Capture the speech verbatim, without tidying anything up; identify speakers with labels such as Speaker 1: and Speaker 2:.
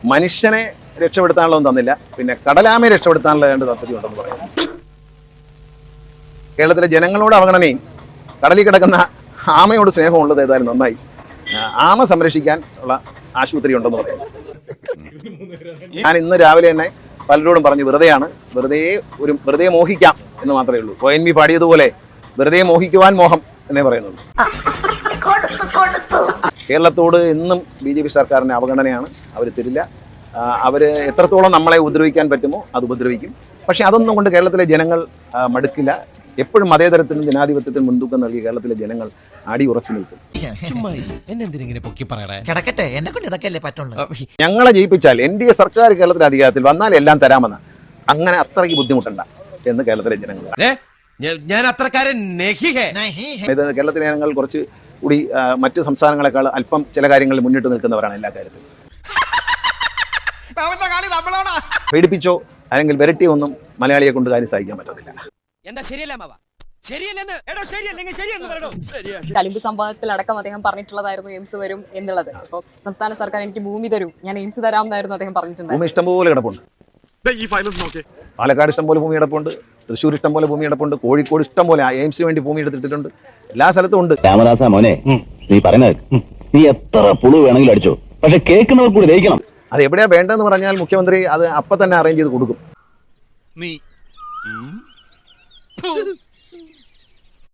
Speaker 1: മനുഷ്യനെ രക്ഷപ്പെടുത്താനുള്ളതൊന്നും തന്നില്ല, പിന്നെ കടലാമയെ രക്ഷപ്പെടുത്താനുള്ള രണ്ട് താല്പര്യം ഉണ്ടെന്ന് പറയുന്നു. കേരളത്തിലെ ജനങ്ങളോട് അവഗണനയും കടലിൽ കിടക്കുന്ന ആമയോട് സ്നേഹമുള്ളത് ഏതായാലും നന്നായി. ആമ സംരക്ഷിക്കാൻ ഉള്ള ആശുപത്രി ഉണ്ടെന്ന് പറയുന്നു. ഞാൻ ഇന്ന് രാവിലെ തന്നെ പലരോടും പറഞ്ഞു, വെറുതെയാണ്, വെറുതെ ഒരു വെറുതെ മോഹിക്കാം എന്ന് മാത്രമേ ഉള്ളൂ. ഒ എൻ വി പാടിയതുപോലെ വെറുതെ മോഹിക്കുവാൻ മോഹം എന്നേ പറയുന്നുള്ളൂ. കേരളത്തോട് എന്നും ബി ജെ പി സർക്കാരിന് അവഗണനയാണ്. അവർ തരില്ല. അവർ എത്രത്തോളം നമ്മളെ ഉപദ്രവിക്കാൻ പറ്റുമോ അത് ഉപദ്രവിക്കും. പക്ഷെ അതൊന്നും കൊണ്ട് കേരളത്തിലെ ജനങ്ങൾ മടുക്കില്ല. എപ്പോഴും മതേതരത്തിനും ജനാധിപത്യത്തിനും മുൻതൂക്കം നൽകി കേരളത്തിലെ ജനങ്ങൾ അടി ഉറച്ചു നിൽക്കും. ഞങ്ങളെ ജയിപ്പിച്ചാൽ എൻ ഡി എ സർക്കാർ കേരളത്തിലെ അധികാരത്തിൽ വന്നാൽ എല്ലാം തരാമെന്ന്, അങ്ങനെ അത്രയ്ക്ക് ബുദ്ധിമുട്ടണ്ട എന്ന് കേരളത്തിലെ ജനങ്ങൾ.
Speaker 2: ഞാൻ അത്രക്കാരൻ
Speaker 1: കേരളത്തിലെ ജനങ്ങൾ കുറച്ച് കൂടി മറ്റ് സംസ്ഥാനങ്ങളെക്കാൾ അല്പം ചില കാര്യങ്ങളിൽ മുന്നിട്ട് നിൽക്കുന്നവരാണ് എല്ലാ കാര്യത്തിലും. പേടിപ്പിച്ചോ അല്ലെങ്കിൽ വിരട്ടിയോ ഒന്നും മലയാളിയെ കൊണ്ട് കാര്യം സഹിക്കാൻ പറ്റത്തില്ല.
Speaker 3: കലിമ്പ് സംഭവത്തിലടക്കം അദ്ദേഹം പറഞ്ഞിട്ടുള്ളതായിരുന്നു എയിംസ് വരും എന്നുള്ളത്. അപ്പോൾ സംസ്ഥാന സർക്കാർ എനിക്ക് ഭൂമി തരും, ഞാൻ എയിംസ് തരാമെന്നായിരുന്നു അദ്ദേഹം പറഞ്ഞിട്ടുണ്ട്.
Speaker 1: ഭൂമി ഇഷ്ടംപോലെ കിടപ്പുണ്ട്. പാലക്കാട് ഇഷ്ടംപോലെ ഭൂമി കിടപ്പുണ്ട്, തൃശ്ശൂർ ഇഷ്ടംപോലെ ഭൂമി കിടപ്പുണ്ട്, കോഴിക്കോട് ഇഷ്ടംപോലെ എയിംസിന് വേണ്ടി ഭൂമി എടുത്തിട്ടുണ്ട്. എല്ലാ സ്ഥലത്തും ഉണ്ട്.
Speaker 4: രാമദാസ മോനെ, നീ പറയുന്നത് നീ എത്ര പുളു വേണമെങ്കിലും അടിച്ചോ, പക്ഷെ കേൾക്കുന്നവർ കൂടി ദഹിക്കണം.
Speaker 1: അത് എവിടെയാ വേണ്ടതെന്ന് പറഞ്ഞാൽ മുഖ്യമന്ത്രി അത് അപ്പൊ തന്നെ അറേഞ്ച് ചെയ്ത് കൊടുക്കും.